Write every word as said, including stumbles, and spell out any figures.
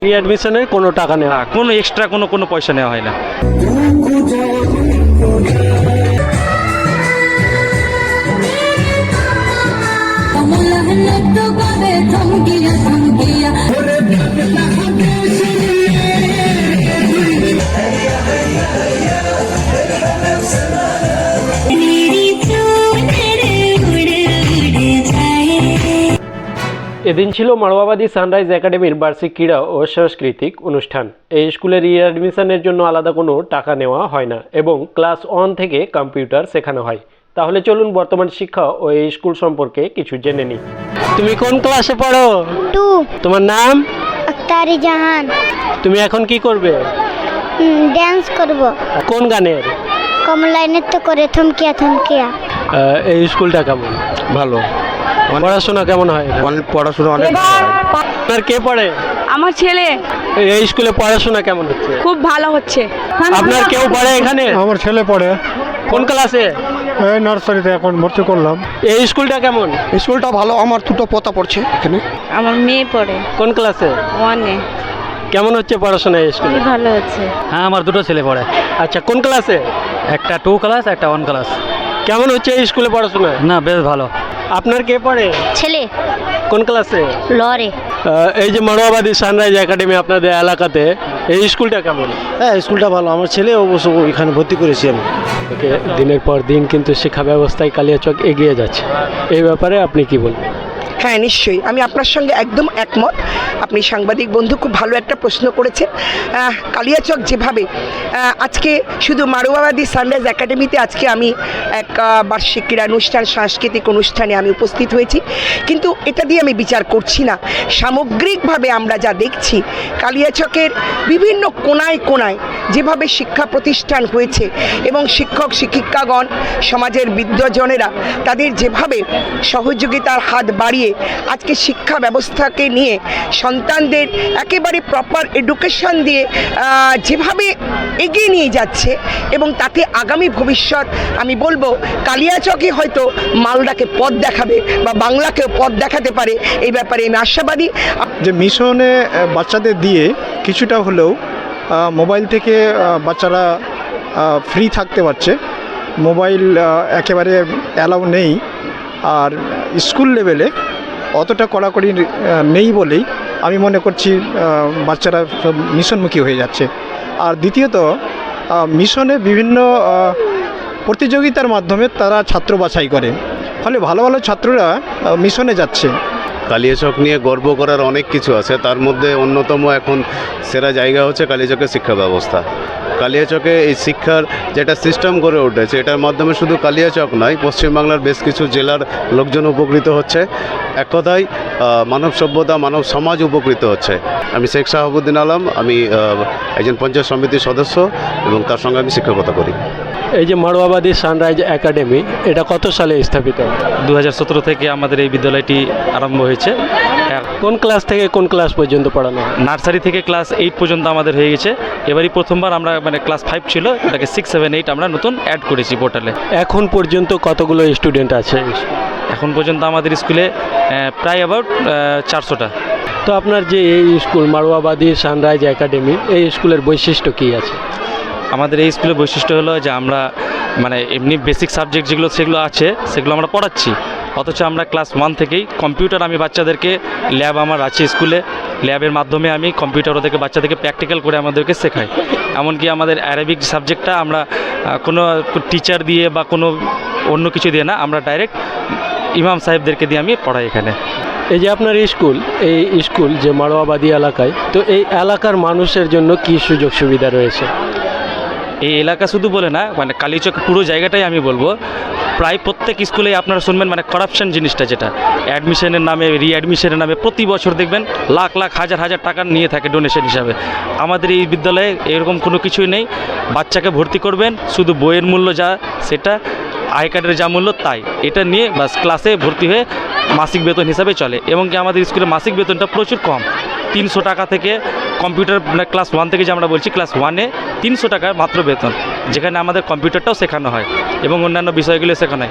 রিঅ্যাডমিশনের কোনো টাকা নেওয়া না, কোনো এক্সট্রা কোনো কোনো পয়সা নেওয়া হয় না। এদিন ছিল মারওয়াবাদী সানরাইজ একাডেমির বার্ষিক ক্রীড়া ও সাংস্কৃতিক অনুষ্ঠান। এই স্কুলের রিঅ্যাডমিশনের জন্য আলাদা কোনো টাকা নেওয়া হয় না এবং ক্লাস ওয়ান থেকে কম্পিউটার শেখানো হয়। তাহলে চলুন বর্তমান শিক্ষা ও এই স্কুল সম্পর্কে কিছু জেনে নিই। তুমি কোন ক্লাসে পড়ো? টু। তোমার নাম? আক্তারি জাহান। তুমি এখন কি করবে? ডান্স করব। কোন গানের? কমলায় নৃত্য করে থমকিয়া থমকিয়া। আহ, এই স্কুলটা কেমন? ভালো। পড়াশোনা কেমন হয়? অনেক পড়াশোনা অনেক ভালো হয়। আপনার কে পড়ে? আমার ছেলে। এই স্কুলে পড়াশোনা কেমন হচ্ছে? খুব ভালো হচ্ছে। আপনার কেউ পড়ে এখানে? আমার ছেলে পড়ে কোন ক্লাসে? এই নার্সারিতে এখন ভর্তি করলাম। এই স্কুলটা কেমন? স্কুলটা ভালো। আমার দুটো পোতা পড়ছে এখানে। আমার মেয়ে পড়ে কোন ক্লাসে? ওয়ানে। কেমন হচ্ছে পড়াশোনা এই স্কুলে? খুবই ভালো হচ্ছে। হ্যাঁ, আমার দুটো ছেলে পড়ে। আচ্ছা, কোন ক্লাসে? একটা টু ক্লাস, একটা ওয়ান ক্লাস। কেমন হচ্ছে এই স্কুলে পড়াশোনা? না, বেশ ভালো। আপনার কে পড়ে? ছেলে কোন ক্লাসে? লরে। আহ, এই যে মারওয়াবাদী সানরাইজ একাডেমি আপনাদের এলাকাতে, এই স্কুলটা কেমন? হ্যাঁ, স্কুলটা ভালো। আমার ছেলে অবশ্য এখানে ভর্তি করেছি আমি। ওকে, দিনের পর দিন কিন্তু শিক্ষা ব্যবস্থায় কালিয়াচক এগিয়ে যাচ্ছে, এই ব্যাপারে আপনি কি বলবেন? হ্যাঁ, নিশ্চয়ই আমি আপনার সঙ্গে একদম একমত। আপনি সাংবাদিক বন্ধু খুব ভালো একটা প্রশ্ন করেছেন। আহ, কালিয়াচক যেভাবে আহ, আজকে শুধু মারওয়াবাদী সানরাইজ একাডেমিতে আজকে আমি এক আহ, বার্ষিক ক্রীড়া অনুষ্ঠান, সাংস্কৃতিক অনুষ্ঠানে আমি উপস্থিত হয়েছি, কিন্তু এটা দিয়ে আমি বিচার করছি না। সামগ্রিকভাবে আমরা যা দেখছি কালিয়াচকের বিভিন্ন কোনায় কোনায় যেভাবে শিক্ষা প্রতিষ্ঠান হয়েছে এবং শিক্ষক শিক্ষিকাগণ, সমাজের বিদ্বজনেরা তাদের যেভাবে সহযোগিতার হাত বাড়িয়ে আজকে শিক্ষা ব্যবস্থাকে নিয়ে সন্তানদের একেবারে প্রপার এডুকেশন দিয়ে আহ, যেভাবে এগিয়ে নিয়ে যাচ্ছে এবং তাতে আগামী ভবিষ্যৎ আমি বলবো কালিয়াচকে হয়তো মালদাকে পথ দেখাবে বা বাংলাকেও পথ দেখাতে পারে, এই ব্যাপারে আমি আশাবাদী। যে মিশনে আহ, বাচ্চাদের দিয়ে কিছুটা হলেও আহ, মোবাইল থেকে আহ, বাচ্চারা ফ্রি থাকতে পারছে। মোবাইল আহ, একেবারে অ্যালাউ নেই, আর স্কুল লেভেলে অতটা কড়াকড়ি আহ, নেই বলেই আমি মনে করছি আহ, বাচ্চারা সব মিশনমুখী হয়ে যাচ্ছে। আর দ্বিতীয়ত আহ, মিশনে বিভিন্ন আহ, প্রতিযোগিতার মাধ্যমে তারা ছাত্র বাছাই করে, ফলে ভালো ভালো ছাত্ররা আহ, মিশনে যাচ্ছে। কালিয়াচক নিয়ে গর্ব করার অনেক কিছু আছে, তার মধ্যে অন্যতম এখন সেরা জায়গা হচ্ছে কালিয়াচকের শিক্ষা ব্যবস্থা। কালিয়াচকে এই শিক্ষার যেটা সিস্টেম গড়ে উঠেছে, এটার মাধ্যমে শুধু কালিয়াচক নয়, পশ্চিমবাংলার বেশ কিছু জেলার লোকজন উপকৃত হচ্ছে। এক কথায় মানব সভ্যতা, মানব সমাজ উপকৃত হচ্ছে। আমি শেখ শাহাবুদ্দিন আলম, আমি একজন পঞ্চায়েত সমিতির সদস্য এবং তার সঙ্গে আমি শিক্ষকতা করি। এই যে মারওয়াবাদী সানরাইজ একাডেমি, এটা কত সালে স্থাপিত? দু হাজার সতেরো থেকে আমাদের এই বিদ্যালয়টি আরম্ভ হয়েছে। কোন ক্লাস থেকে কোন ক্লাস পর্যন্ত পড়ানো হয়? নার্সারি থেকে ক্লাস এইট পর্যন্ত আমাদের হয়ে গেছে। এবারই প্রথমবার আমরা মানে ক্লাস ফাইভ ছিল, এটাকে সিক্স সেভেন এইট আমরা নতুন অ্যাড করেছি পোর্টালে। এখন পর্যন্ত কতগুলো স্টুডেন্ট আছে? এখন পর্যন্ত আমাদের স্কুলে প্রায় অ্যাবাউট চারশোটা। তো আপনার যে এই স্কুল মারওয়াবাদী সানরাইজ একাডেমি, এই স্কুলের বৈশিষ্ট্য কী আছে? আমাদের এই স্কুলের বৈশিষ্ট্য হলো যে আমরা মানে এমনি বেসিক সাবজেক্ট যেগুলো সেগুলো আছে সেগুলো আমরা পড়াচ্ছি, অথচ আমরা ক্লাস ওয়ান থেকেই কম্পিউটার, আমি বাচ্চাদেরকে ল্যাব আমার আছে স্কুলে, ল্যাবের মাধ্যমে আমি কম্পিউটার ওদেরকে বাচ্চাদেরকে প্র্যাকটিক্যাল করে আমাদেরকে শেখাই। এমনকি আমাদের অ্যারাবিক সাবজেক্টটা আমরা কোনো টিচার দিয়ে বা কোনো অন্য কিছু দিয়ে না, আমরা ডাইরেক্ট ইমাম সাহেবদেরকে দিয়ে আমি পড়াই এখানে। এই যে আপনার স্কুল, এই স্কুল যে মারওয়াবাদী এলাকায়, তো এই এলাকার মানুষের জন্য কি সুযোগ সুবিধা রয়েছে? এই এলাকা শুধু বলে না, মানে কালিয়াচক পুরো জায়গাটাই আমি বলবো, প্রায় প্রত্যেক স্কুলেই আপনারা শুনবেন মানে করাপশন জিনিসটা, যেটা অ্যাডমিশনের নামে, রিঅ্যাডমিশনের নামে প্রতি বছর দেখবেন লাখ লাখ হাজার হাজার টাকা নিয়ে থাকে ডোনেশন হিসাবে। আমাদের এই বিদ্যালয়ে এরকম কোনো কিছুই নেই। বাচ্চাকে ভর্তি করবেন, শুধু বইয়ের মূল্য যা সেটা, আই কার্ডের যা মূল্য তাই, এটা নিয়ে বাস ক্লাসে ভর্তি হয়ে মাসিক বেতন হিসাবে চলে। এবং কি আমাদের স্কুলে মাসিক বেতনটা প্রচুর কম, তিনশো টাকা থেকে কম্পিউটার মানে ক্লাস ওয়ান থেকে যে আমরা বলছি ক্লাস ওয়ানে তিনশো টাকা মাত্র বেতন, যেখানে আমাদের কম্পিউটারটাও শেখানো হয় এবং অন্যান্য বিষয়গুলো শেখানো হয়।